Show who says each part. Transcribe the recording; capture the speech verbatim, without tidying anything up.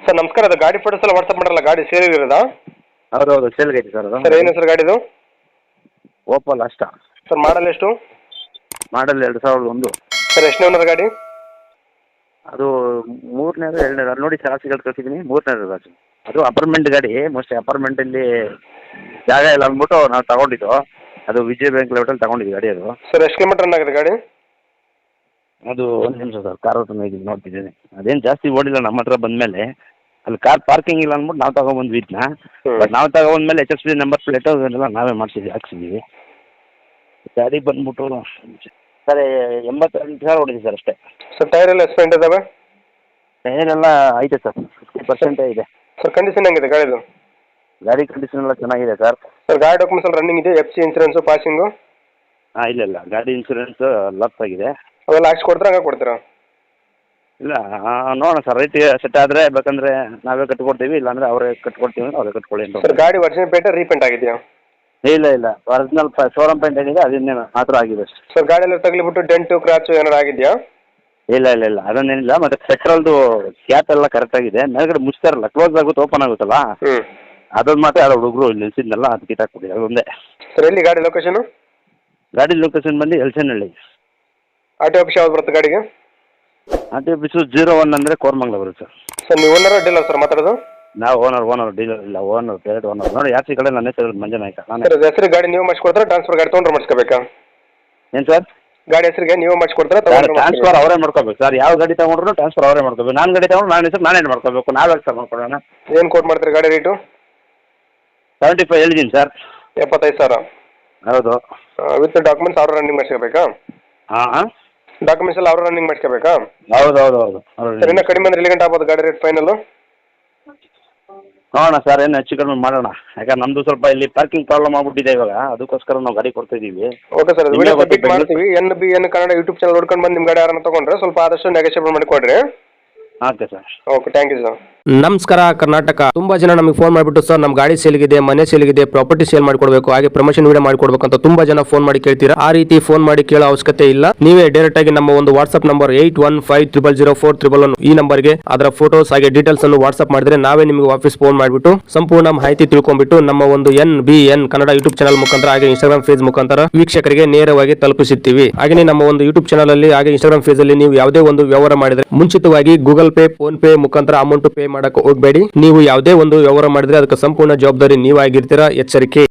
Speaker 1: Sir ನಮಸ್ಕಾರ, ಅದು ಗಾಡಿ ಫೋಟೋಸ್ ಎಲ್ಲ ವಾಟ್ಸಪ್ ಮಾಡಲ್ಲ, ಗಾಡಿ ಸೇಲ್ ಇರೋದಾ?
Speaker 2: ಹೌದು ಹೌದು ಸೇಲ್ಗೆ ಐತಿ ಸರ್ ಅದು.
Speaker 1: ಸರ್ ಏನು ಸರ್ ಗಾಡಿದು?
Speaker 2: ಓಪಲ್ ಅಷ್ಟ
Speaker 1: ಸರ್ ಮಾಡಲ್ ಎಷ್ಟು?
Speaker 2: ಮಾಡಲ್ ಎರಡು ಸಾವಿರದ ಒಂದು.
Speaker 1: ಸರ್ ಎಷ್ಟನೇ ಓನರ್ ಗಾಡಿ?
Speaker 2: ಅದು ಮೂರನೇದು ಎರಡನೇದು ಅದು ನೋಡಿ ಚಾರ್ಜಿಗಳು ಕಳಿಸಿದ್ದೀನಿ, ಮೂರನೇದು ಅದು ಅದು ಅಪಾರ್ಟ್ಮೆಂಟ್ ಗಾಡಿ. ಮೋಸ್ಟ್ಲಿ ಅಪಾರ್ಟ್ಮೆಂಟಲ್ಲಿ ಜಾಗ ಇಲ್ಲ ಅಂದ್ಬಿಟ್ಟು ನಾವು ತಗೊಂಡಿದ್ದು. ಅದು ವಿಜಯ ಬ್ಯಾಂಕ್ ಲೆವೆಟಲ್ಲಿ ತಗೊಂಡಿದ್ದು ಗಾಡಿ ಅದು.
Speaker 1: ಸರ್ ಎಷ್ಟು ಕಿಲೋಮೀಟರ್ ರನ್ ಆಗಿದೆ ಗಾಡಿ?
Speaker 2: ಅದು ಒಂದು ನಿಮಿಷ ಸರ್, ಕಾರ್ ಹತ್ರ ಇದೀನಿ ನೋಡ್ತಿದ್ದೀನಿ. ಅದೇನು ಜಾಸ್ತಿ ಓಡಿಲ್ಲ ನಮ್ಮ ಹತ್ರ ಬಂದಮೇಲೆ. ಅಲ್ಲಿ ಕಾರ್ ಪಾರ್ಕಿಂಗ್ ಇಲ್ಲ ಅಂದ್ಬಿಟ್ಟು ನಾವು ತಗೊಂಡ್ಬಂದ್ವಿ ಇದನ್ನ. ಬಟ್ ನಾವು ತಗೊಂಡ್ಮೇಲೆ H S B number plate ಅದನ್ನೆಲ್ಲ ನಾವೇ ಮಾಡಿಸಿದ್ವಿ, ಹಾಕ್ಸಿದ್ದೀವಿ. ಗಾಡಿ ಬಂದ್ಬಿಟ್ಟು ಸರ್ ಎಂಬತ್ತೆಂಟು ಸಾವಿರ ಹೊಡಿದೆ ಸರ್ ಅಷ್ಟೇ.
Speaker 1: ಸರ್ ಟೈರ್ ಎಲ್ಲ ಎಕ್ಸ್ಪೆಂಟ್ ಇದಾವೆ?
Speaker 2: ಟೈರ್ ಎಲ್ಲ ಐತೆ ಸರ್, ಫಿಫ್ಟಿ ಪರ್ಸೆಂಟೇ ಇದೆ.
Speaker 1: ಸರ್ ಕಂಡೀಷನ್ ಹೆಂಗಿದೆ ಗಾಡಿದು?
Speaker 2: ಗಾಡಿ ಕಂಡೀಷನ್ ಎಲ್ಲ ಚೆನ್ನಾಗಿದೆ ಸರ್.
Speaker 1: ಸರ್ ಗಾಡಿ ಡಾಕ್ಯುಮೆಂಟ್ಸ್ ಎಲ್ಲ ರನ್ನಿಂಗ್ ಇದೆ, ಎಫ್ ಸಿ ಇನ್ಸೂರೆನ್ಸು ಪಾಸಿಂಗು?
Speaker 2: ಹಾಂ ಇಲ್ಲ ಇಲ್ಲ, ಗಾಡಿ ಇನ್ಸೂರೆನ್ಸ್ ಲಾಸ್ ಆಗಿದೆ.
Speaker 1: ಅವೆಲ್ಲ ಹಾಕ್ಸಿ ಕೊಡ್ತೀರಾ ಹಂಗೆ ಕೊಡ್ತೀರಾ?
Speaker 2: ಇಲ್ಲ ನೋಡೋಣ ಸರ್, ರೇಟ್ ಸೆಟ್ ಆದರೆ ಬೇಕಂದರೆ ನಾವೇ ಕಟ್ಕೊಡ್ತೀವಿ, ಇಲ್ಲಾಂದರೆ ಅವರೇ ಕಟ್ಕೊಡ್ತೀವಿ ಅಂದರೆ ಅವರೇ ಕಟ್ಕೊಳ್ಳಿ ಅಂತ.
Speaker 1: ಸರ್ ಗಾಡಿ ಒರಿಜಿನಲ್ ಪೇಂಟ್ ರೀಪೇಂಟ್ ಆಗಿದೆಯಾ?
Speaker 2: ಇಲ್ಲ ಇಲ್ಲ, ಒರಿಜಿನಲ್ ಶೋರೂಮ್ ಪೇಂಟ್ ಏನಿದೆ ಅದನ್ನೇ ಮಾತ್ರ ಆಗಿದೆ ಅಷ್ಟೇ.
Speaker 1: ಸರ್ ಗಾಡಿ ಎಲ್ಲ ತಗಲಿಬಿಟ್ಟು ಡೆಂಟು ಕ್ರಾಚು ಏನಾರು ಆಗಿದೆಯಾ?
Speaker 2: ಇಲ್ಲ ಇಲ್ಲ ಇಲ್ಲ, ಅದನ್ನೇನಿಲ್ಲ. ಮತ್ತು ಪೆಟ್ರೋಲ್ದು ಕ್ಯಾಪ್ ಎಲ್ಲ ಕರೆಕ್ಟಾಗಿದೆ. ಮೇಲ್ಗಡೆ ಮುಚ್ತಾರಲ್ಲ, ಕ್ಲೋಸ್ ಆಗುತ್ತೆ ಓಪನ್ ಆಗುತ್ತಲ್ಲ,
Speaker 1: ಹ್ಞೂ
Speaker 2: ಅದೊಂದು ಮಾತ್ರ ಯಾರೋ ಹುಡುಗರು ಇಲ್ಲಿ ನಿಲ್ಸಿದ್ನಲ್ಲ ಅದು ಕಿತ್ತಾಕ್ಬಿಡಿ, ಅದೊಂದೇ.
Speaker 1: ಸರ್ ಎಲ್ಲಿ ಗಾಡಿ ಲೊಕೇಶನು?
Speaker 2: ಗಾಡಿ ಲೊಕೇಶನ್ ಬಂದು ಎಲ್ಸನಹಳ್ಳಿ.
Speaker 1: ಆರ್ ಟಿ ಆಫೀಸ್ ಯಾವ್ದು ಬರುತ್ತೆ ಗಾಡಿಗೆ?
Speaker 2: R T office zero one ಅಂದರೆ ಕೋರ್ಮಂಗ್ಲ ಬರುತ್ತೆ ಸರ್.
Speaker 1: ಸರ್ ನೀವು ಓನರ್ ಡೀಲರ್ ಸರ್ ಮಾತಾಡೋದು?
Speaker 2: ನಾವು ಓನರ್ ಓನರ್ ಡೀಲರ್ ಇಲ್ಲ, ಓನರ್ ಡೈರೆಕ್ಟ್ ಓನರ್. ನೋಡಿ ಯಾಕೆ ಕಡೆ ನನ್ನ ಹೆಸರು ಮಂಜನಾಯ್ಕ. ನಾನು
Speaker 1: ಸರ್ ಹೆಸರು ಗಾಡಿ ನೀವು ಮಾಡಿಸ್ಕೊಡ್ತಾರೆ, ಟ್ರಾನ್ಸ್ಫರ್ ಗಾಡಿ ತೊಗೊಂಡ್ರೆ ಮಾಡಿಸ್ಕೋಬೇಕಾ?
Speaker 2: ಏನು ಸರ್?
Speaker 1: ಗಾಡಿ ಹೆಸರಿಗೆ ನೀವು ಮಾಡಿಸ್ಕೊಡ್ತಾರೆ,
Speaker 2: ಟ್ರಾನ್ಸ್ಫರ್ ಅವರೇ ಮಾಡ್ಕೋಬೇಕು ಸರ್. ಯಾವ ಗಾಡಿ ತಗೊಂಡ್ರು ಟ್ರಾನ್ಸ್ಫರ್ ಅವರೇ ಮಾಡ್ಕೋಬೇಕು. ನಾನು ಗಾಡಿ ತಗೊಂಡು ನಾನು ಹೆಸರು ನಾನೇ ಮಾಡ್ಕೋಬೇಕು. ನಾವೇ ಸರ್ ಮಾಡ್ಕೊಳ್ಳೋಣ.
Speaker 1: ಏನು ಕೋಟ್ ಮಾಡ್ತೀರಿ ಗಾಡಿ ರೇಟು?
Speaker 2: ಸೆವೆಂಟಿ ಫೈವ್ ಹೇಳಿದ್ದೀನಿ ಸರ್.
Speaker 1: ಎಪ್ಪತ್ತೈದು ಸಾವಿರ?
Speaker 2: ಹೌದು.
Speaker 1: ವಿತ್ ಡಾಕ್ಯುಮೆಂಟ್ಸ್ ಅವ್ರು ರನ್ನಿಂಗ್ ಮಾಡಿಸ್ಕೋಬೇಕಾ?
Speaker 2: ಹಾಂ ಹಾಂ,
Speaker 1: ಡಾಕ್ಯುಮೆಂಟ್ಸ್ ಎಲ್ಲ ಅವ್ರು ರನ್ನಿಂಗ್ ಮಾಡಿಸ್ಕೋಬೇಕಾ?
Speaker 2: ಹೌದು ಹೌದು ಹೌದು.
Speaker 1: ಸರ್ ಇನ್ನೂ ಕಡಿಮೆ ಅಂದ್ರೆ ಎಲ್ಲಿ ಗಂಟೆ ಆಗ್ಬೋದು ಗಾಡಿ ರೇಟ್ ಫೈನಲ್ಲು?
Speaker 2: ನೋಡೋಣ ಸರ್, ಏನು ಹೆಚ್ಚು ಕಡಿಮೆ ಮಾಡೋಣ. ಯಾಕಂದ್ರೆ ನಮ್ಮದು ಸ್ವಲ್ಪ ಇಲ್ಲಿ ಪಾರ್ಕಿಂಗ್ ಪ್ರಾಬ್ಲಮ್ ಆಗ್ಬಿಟ್ಟಿದೆ ಇವಾಗ, ಅದಕ್ಕೋಸ್ಕರ ನಾವು ಗಾಡಿ ಕೊಡ್ತಾ ಇದ್ದೀವಿ.
Speaker 1: ಓಕೆ ಸರ್, ವಿಡಿಯೋ ಸಬ್ಮಿಟ್ ಮಾಡ್ತೀವಿ. N B N Kannada YouTube channel ನೋಡ್ಕೊಂಡು ಬಂದು ನಿಮ್ಮ ಗಾಡಿ ಯಾರನ್ನ ತೊಗೊಂಡ್ರೆ ಸ್ವಲ್ಪ ಆದಷ್ಟು ನೆಗೋಷಿಯೇಟ್ ಮಾಡಿಕೊಡ್ರಿ.
Speaker 2: Okay sir.
Speaker 1: Okay, thank you sir.
Speaker 3: ನಮಸ್ಕಾರ ಕರ್ನಾಟಕ. ತುಂಬಾ ಜನ ನಮಗೆ ಫೋನ್ ಮಾಡಿಬಿಟ್ಟು ಸರ್ ನಮ್ಮ ಗಾಡಿ ಸೇಲ್ಗಿದೆ, ಮನೆ ಸೇಲ್ಗಿದೆ, ಪ್ರಾಪರ್ಟಿ ಸೇಲ್ ಮಾಡಿಕೊಡ್ಬೇಕು, ಹಾಗೆ ಪ್ರಮೋಷನ್ ವಿಡಿಯೋ ಮಾಡಿಕೊಡ್ಬೇಕು ಅಂತ ತುಂಬಾ ಜನ ಫೋನ್ ಮಾಡಿ ಕೇಳ್ತೀರಾ. ಆ ರೀತಿ ಫೋನ್ ಮಾಡಿ ಕೇಳೋ ಅವಶ್ಯಕತೆ ಇಲ್ಲ. ನೀವೇ ಡೈರೆಕ್ಟ್ ಆಗಿ ನಮ್ಮ ಒಂದು WhatsApp number eight one five triple zero four triple one ಈ ನಂಬರ್ಗೆ ಅದರ ಫೋಟೋಸ್ ಹಾಗೆ ಡೀಟೇಲ್ಸ್ ಅನ್ನು ವಾಟ್ಸ್ಆಪ್ ಮಾಡಿದ್ರೆ ನಾವೇ ನಿಮಗೆ ವಾಪಸ್ ಫೋನ್ ಮಾಡಿಬಿಟ್ಟು ಸಂಪೂರ್ಣ ಮಾಹಿತಿ ತಿಳ್ಕೊಂಡ್ಬಿಟ್ಟು ನಮ್ಮ ಒಂದು N B N Kannada YouTube channel ಮುಖಾಂತರ ಹಾಗೆ ಇನ್ಸ್ಟಾಗ್ರಾಮ್ ಫೇಸ್ ಮುಖಾಂತರ ವೀಕ್ಷಕರಿಗೆ ನೇರವಾಗಿ ತಲುಪಿಸುತ್ತೀವಿ. ಹಾಗೆ ನಮ್ಮ ಒಂದು ಯೂಟ್ಯೂಬ್ ಚಾನಲ್ ಅಲ್ಲಿ ಹಾಗೆ ಇನ್ಸ್ಟಾಗ್ರಾಮ್ ಫೇಸ್ ಅಲ್ಲಿ ನೀವು ಯಾವುದೇ ಒಂದು ವ್ಯವಹಾರ ಮಾಡಿದ್ರೆ ಮುಂಚಿತವಾಗಿ ಗೂಗಲ್ ಪೇ, ಫೋನ್ ಪೇ ಮುಖಾಂತರ ಅಮೌಂಟ್ ಪೇ ಮಾಡಕ್ಕೆ ಹೋಗಬೇಡಿ. ನೀವು ಯಾವುದೇ ಒಂದು ವ್ಯವಹಾರ ಮಾಡಿದ್ರೆ ಅದಕ್ಕೆ ಸಂಪೂರ್ಣ ಜವಾಬ್ದಾರಿ ನೀವಾಗಿರ್ತೀರಾ. ಎಚ್ಚರಿಕೆ.